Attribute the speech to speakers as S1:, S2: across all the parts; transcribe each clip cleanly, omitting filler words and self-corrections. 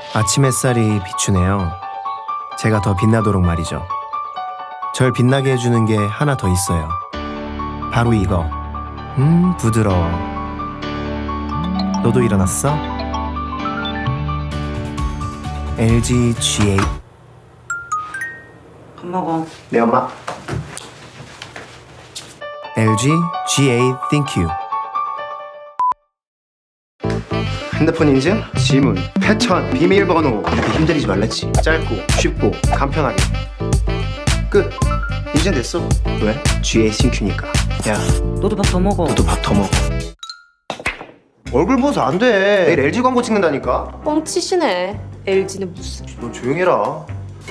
S1: 아침 햇살이 비추네요. 제가 더 빛나도록 말이죠. 절 빛나게 해주는 게 하나 더 있어요. 바로 이거. 부드러워. 너도 일어났어? LG G8.
S2: 밥 먹어.
S1: 네, 엄마. LG G8 Thank You. 핸드폰 인증, 지문, 패턴, 비밀번호. 이렇게 힘들이지 말랬지. 짧고 쉽고 간편하게. 끝. 이젠 됐어. 왜? G8 싱큐니까. 야,
S2: 너도 밥 더 먹어.
S1: 너도 밥 더 먹어. 얼굴 보서 안 돼. 내일 LG 광고 찍는다니까.
S3: 뻥치시네. LG는 무슨.
S1: 너 조용히 해라.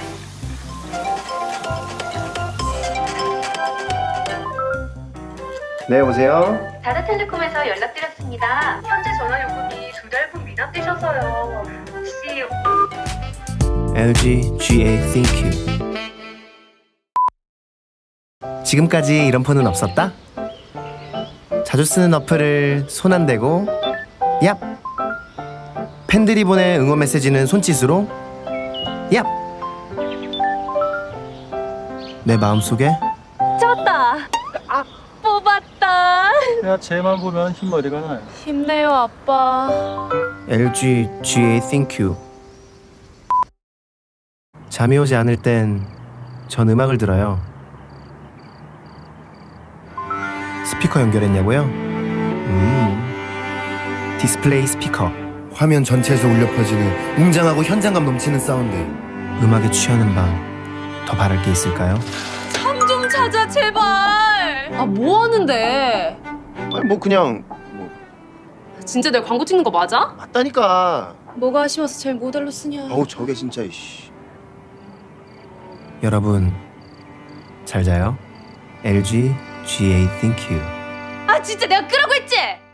S1: 네, 여보세요?
S4: 다다텔레콤에서 연락드렸습니다. 현재 전화 요금이 2달분 미납되셔서요. 혹시
S1: LG G8 Thank You. 지금까지 이런 폰은 없었다? 자주 쓰는 어플을 손 안 대고 얍! 팬들이 보낸 응원 메시지는 손짓으로 얍! 내 마음속에
S3: 잡았다. 뽑았다.
S5: 야, 쟤만 보면 흰머리가 나요.
S3: 힘내요, 아빠.
S1: LG G8 Thank You. 잠이 오지 않을 땐 전 음악을 들어요. 스피커 연결했냐고요? 디스플레이 스피커. 화면 전체에서 울려 퍼지는 웅장하고 현장감 넘치는 사운드. 음악에 취하는 밤 더 바랄 게 있을까요?
S3: 참 좀 찾아, 제발. 아, 뭐 하는데?
S1: 아니 뭐 그냥
S3: 진짜 내가 광고 찍는 거 맞아?
S1: 맞다니까.
S3: 뭐가 아쉬워서 제일 모델로 쓰냐?
S1: 어우 저게 진짜 이씨. 여러분 잘 자요. LG G8 Thank You.
S3: 아, 진짜 내가 끄라고 했지?